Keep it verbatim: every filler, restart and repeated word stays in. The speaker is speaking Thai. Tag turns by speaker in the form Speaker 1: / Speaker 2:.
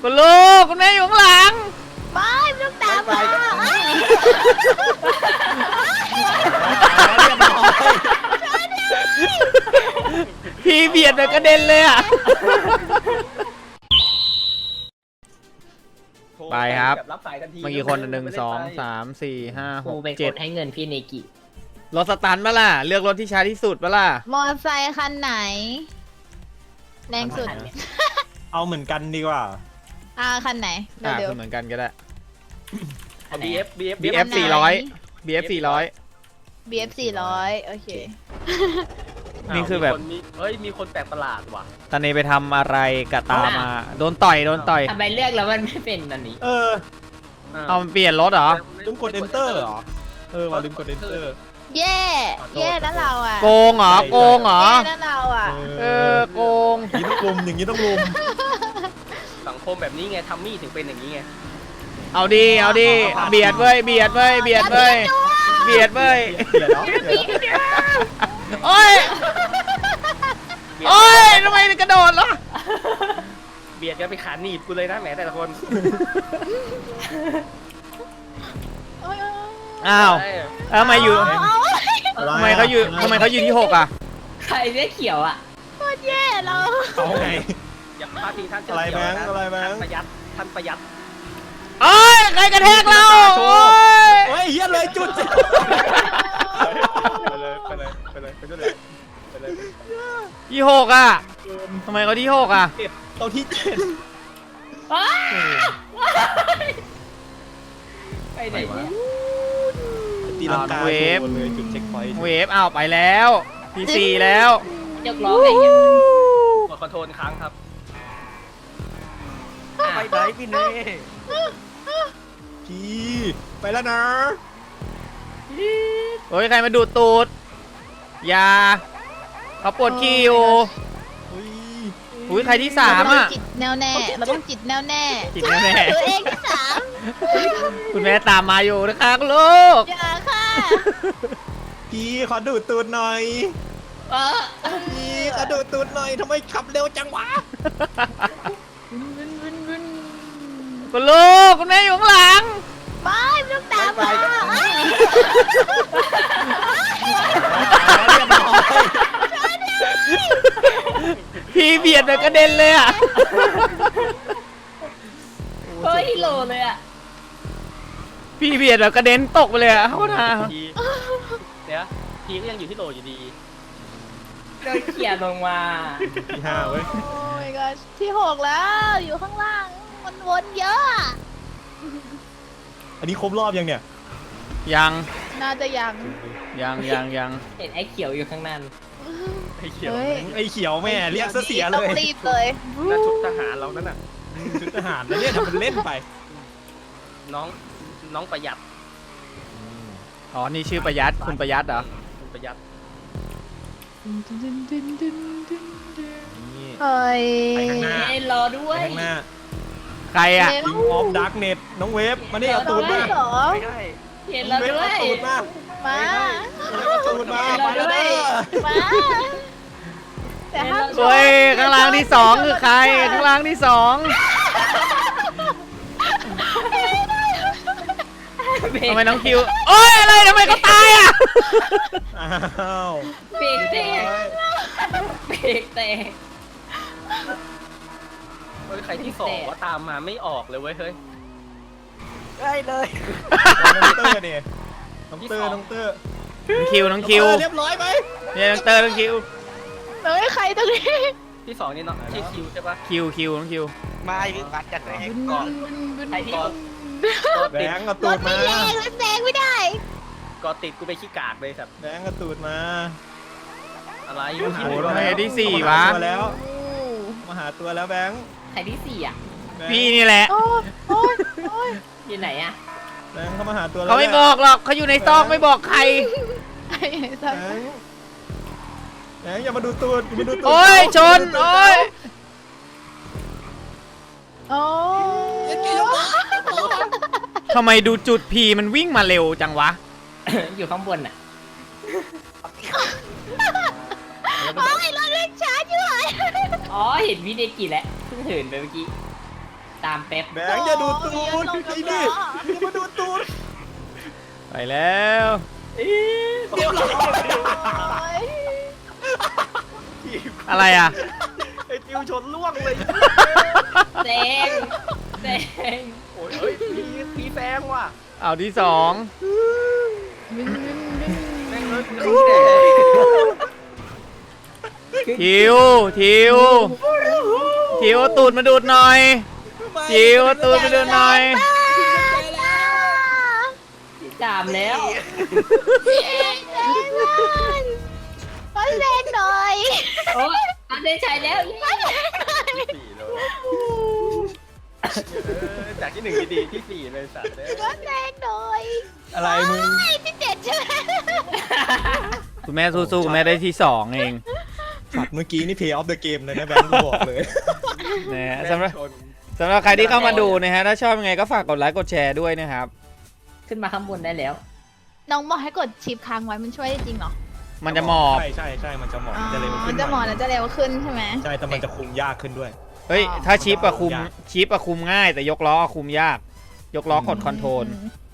Speaker 1: คุณลูกคุณแม่อยู่ข้างหลัง
Speaker 2: ไม่ไม่ต้องตามมา
Speaker 1: พี่เบียดแบบกระเด็นเลยอ่ะไปครับเมื่อกี้คนหนึ่งสองสามสี่ห้าหกเจ็ด
Speaker 3: ให้เงินพี่เนกิ
Speaker 1: รถสตันปะล่ะเลือกรถที่ช้าที่สุดปะล่ะ
Speaker 2: มอเตอร์ไซค์คันไหนแรงสุด
Speaker 4: เอาเหมือนกันดีกว่า
Speaker 2: อ่าคันไหน
Speaker 1: อ่าเหมือนกันก็ได้
Speaker 3: บี เอฟ บี เอฟ
Speaker 1: บี เอฟ สี่ร้อย บี เอฟ สี่ร้อย
Speaker 2: บี เอฟ สี่ร้อยโอเค
Speaker 1: นี่คือแบบ
Speaker 3: เฮ้ยมีคนแปลกประหลาดว่ะ
Speaker 1: ตอนนี้ไปทำอะไรกับตามาโดนต่อยโดนต่อย
Speaker 3: ทำไมเลือกแล้วมันไม่เป็นอันนี้
Speaker 4: เออ
Speaker 1: เอามันเปลี่ยนรถเหรอ
Speaker 4: ลืมกด enter เหรอเออว่าลืมกด enter
Speaker 2: เย่เย่นั่นเราอ่ะ
Speaker 1: โกงเหรอโกงเหรอ
Speaker 2: เย่นั่นเราอ่ะ
Speaker 1: เออโกง
Speaker 4: อย่างนี้ต้องลุมอย่างนี้ต้องลุม
Speaker 3: สังคมแบบนี้ไงทัมมี่ถึงเป็นอย่างนี้ไง
Speaker 1: เอาดีเอาดีเบียดเว้ยเบียดเว้ยเบียดเว้ยเบียดเว้ย
Speaker 4: เบียดเนาะ
Speaker 1: โอ้ยโอ้ยทำไมกระโดดล่ะ
Speaker 3: เบียดกันไปขาหนีบกูเลยนะแหมแต่ละคน
Speaker 1: อ้าวทำไมอยู่ทำไมเขาอยู่ทำไมเขาอยู่ที่หกอ่ะ
Speaker 3: ใครเรียกเขียวอ่ะ
Speaker 2: โคตรแย่เรา
Speaker 4: เอาไง
Speaker 3: อย่าพลาดทีท่าน
Speaker 4: อะไรแบงค์อะไรแบงค์
Speaker 3: ประหยัดท่านประหยัด
Speaker 1: โอ้ยใครกระแทกเราโอ้
Speaker 4: ยโอ้ยเฮียเลยจุดไปเลยไปเลยไปเลยไปเลยไปเลย
Speaker 1: ที่หกอ่ะทำไมเขาที่หกอ่ะ
Speaker 4: เราที่เจ็ด
Speaker 3: ไปไหนวะ
Speaker 4: ตีลังกาเวฟจุดเช็คพอยต์
Speaker 1: เวฟอ้าวไปแล้วพีซีแล้ว
Speaker 3: ยกล้อไงเนี่ยกดคอนโทรลค้างครับไปไหนพี่เน่
Speaker 4: พี่ไปแล้วนะ
Speaker 1: โอ้ยใครมาดูดตูดยาเขาปวดขี้อยู่อุ้ยใครที่สามอ่ะ
Speaker 2: จิตแน่วแน่เราต้องจิตแน่วแน่
Speaker 1: จิตแน่วแน่
Speaker 2: ตัวเองที่สาม
Speaker 1: คุณแม่ตามมาอยู่นะคะลูก
Speaker 2: อย่าค่ะ
Speaker 4: พี่ขอดูดตูดหน่อยพี่ขอดูดตูดหน่อยทำไมขับเร็วจังวะ
Speaker 1: คุณลูกคุณแม่อยู่ข้างหลัง
Speaker 2: ไม่ไม่ต้องตามมา
Speaker 1: พี่เบียดแบบกระเด็นเลยอ่ะ
Speaker 3: เฮ้ยโลเลยอ่ะ
Speaker 1: พี่เบียดแบบกระเด็นตกไปเลยอ่ะเขาท่า
Speaker 3: เดี๋ยวพี่ก็ยังอยู่ที่โลอยู่ดีเดินเขี่ยลงมา
Speaker 4: ที่ห้าเว้ย
Speaker 2: โอ้ยก็ที่หกแล้วอยู่ข้างล่างมันวนเยอะ
Speaker 4: อันนี้ครบรอบยังเนี่ย
Speaker 1: ยัง
Speaker 2: น่าจะยัง
Speaker 1: ยังยังยัง
Speaker 3: เห็นไอ้เขียวอยู่ข้างนั้น
Speaker 4: ไอ้เขียวไอ้เขียวแม่เรียกเสียเลย
Speaker 2: ต้องรีบเลย
Speaker 3: นั่นชุดทหารเรานั่นน่ะ
Speaker 4: ชุดทหารแล้วเนี่ยทำเป็นเล่นไป
Speaker 3: น้องน้องประหยัด
Speaker 1: อ๋อนี่ชื่อประหยัดคุณประหยัดเหรอ
Speaker 3: คุณประหยัด
Speaker 2: เฮ้ย
Speaker 3: รอด้วย
Speaker 4: ข้างหน้า
Speaker 1: ใครอ่ะ
Speaker 4: อิงออฟดาร์กเน็ตน้องเวฟมานี่เอาตูดมา
Speaker 3: ไม่ได้เห็นเราด้วย
Speaker 4: มา
Speaker 2: มา
Speaker 4: ตูดมามาด้วย
Speaker 2: มาแต่ห้าม
Speaker 1: เฮ้ยข้างล่างที่สองคือใครข้างล่างที่สองทำไมน้องคิวโอ้ยอะไรทำไมเขาตายอ่ะ
Speaker 4: อ้าว
Speaker 3: เบรกแตกเบรกแตกเฮ้ยใครที่สองว่าตามมาไม่ออกเลยเว้ยเฮ้ยได้เลย
Speaker 4: น้องเตอร์เนี่ยน้องเตอร์น้องเตอร์
Speaker 1: น้องคิวน้องคิว
Speaker 4: เรียบร้อยไหม
Speaker 1: เนี่ยน้องเตอร์น้องคิว
Speaker 2: เฮ้ยใครตรงนี้
Speaker 3: ที่สองนี่เนาะที่คิวใช่ปะ
Speaker 1: คิวคิวน้องคิว
Speaker 3: มาอีกวัดจัดแรงก่อนใครที่
Speaker 4: แบงก์กระตูดมา
Speaker 2: แรงแรงไม่ได้
Speaker 3: ก็ติดกูไปขี้กากเลยครับ
Speaker 4: แบงก์กระตูดมา
Speaker 3: อะไร
Speaker 1: โอ้โหทำไมที่สี่วะ
Speaker 4: แล้วมาหาตัวแล้วแบงก์
Speaker 3: ใครที่สี่อ่ะ
Speaker 1: พี่นี่แหละ
Speaker 3: อยู่ไหนอ่ะ
Speaker 4: แบงก์เขามาหาตัว
Speaker 1: เขาไม่บอกหรอกเขาอยู่ในซอกไม่บอกใคร
Speaker 4: แบงก์อย่ามาดูตูดอย่ามาดูตูด
Speaker 1: โอ้ยชนโอ้ย
Speaker 2: โอ้
Speaker 1: ทำไมดูจุดพีมันวิ่งมาเร็วจังวะ
Speaker 3: อยู่ข้างบนอ่ะ
Speaker 2: โอ้ยรถเล่นช้าจังเลย
Speaker 3: อ๋อเห็นวิดีโอกี่แล้วเพิ่งเห็นไปเมื่อกี้ตามเป๊ป
Speaker 4: แบงค์อย่าดูดตูดไอ้นี่อย่ามาดูดตูด
Speaker 1: ไปแล้ว
Speaker 4: เรียบร้อย
Speaker 2: โอ้ย
Speaker 1: อะไรอ่ะ
Speaker 4: ไอ้ติวชนล่วงเลย
Speaker 3: แซงแซง
Speaker 4: โอ้ยเฮ้ยมีมีแซงว่ะ
Speaker 1: เอาที่สอง
Speaker 2: วิ่งวิ่งวิ่ง
Speaker 4: แม่งเลย
Speaker 1: ทิวทิวทิวเอาตูดมาดูดหน่อยทิวเอาตูดมาดูดหน่อย
Speaker 3: จามแล้ว
Speaker 2: เอ็งเอ็งมันขอแรงหน่อย
Speaker 3: โอ้ยอันได้ใช้แล้ว
Speaker 4: สี่เลยจากที่หนึ่งดีๆที่สี่เลยสัตว์เลย
Speaker 2: ขอแรงหน่อย
Speaker 4: อะไรมึง
Speaker 2: ไอ้ที่เจ็ดใช่ไหม
Speaker 1: คุณแม่สู้ๆคุณแม่ได้ที่สองเอง
Speaker 4: สัตว์เมื่อกี้นี่ play of the game เลยนะแบงค์กูบอกเลย
Speaker 1: นะฮะสำหรับสำหรับใครที่เข้ามาดูนะฮะถ้าชอบยังไงก็ฝากกดไลค์กดแชร์ด้วยนะครับ
Speaker 3: ขึ้นมาข้างบนได้แล้ว
Speaker 2: น้องบอกให้กดชิปค้างไว้มันช่วยได้จริงเหรอ
Speaker 1: มันจะหมอบ
Speaker 4: ใช่ใช่ใช่มันจะหมอบ
Speaker 2: อ๋อ
Speaker 4: มันจะเร็วขึ้น
Speaker 2: มันจะหมอนแล้วจะเร็วขึ้นใช่ไหม
Speaker 4: ใช่แต่มันจะคุมยากขึ้นด้วย
Speaker 1: เฮ้ยถ้าชิปอะคุมชิปอะคุมง่ายแต่ยกล้ออะคุมยาก ยกล้อกดคอนโทรล
Speaker 2: อืม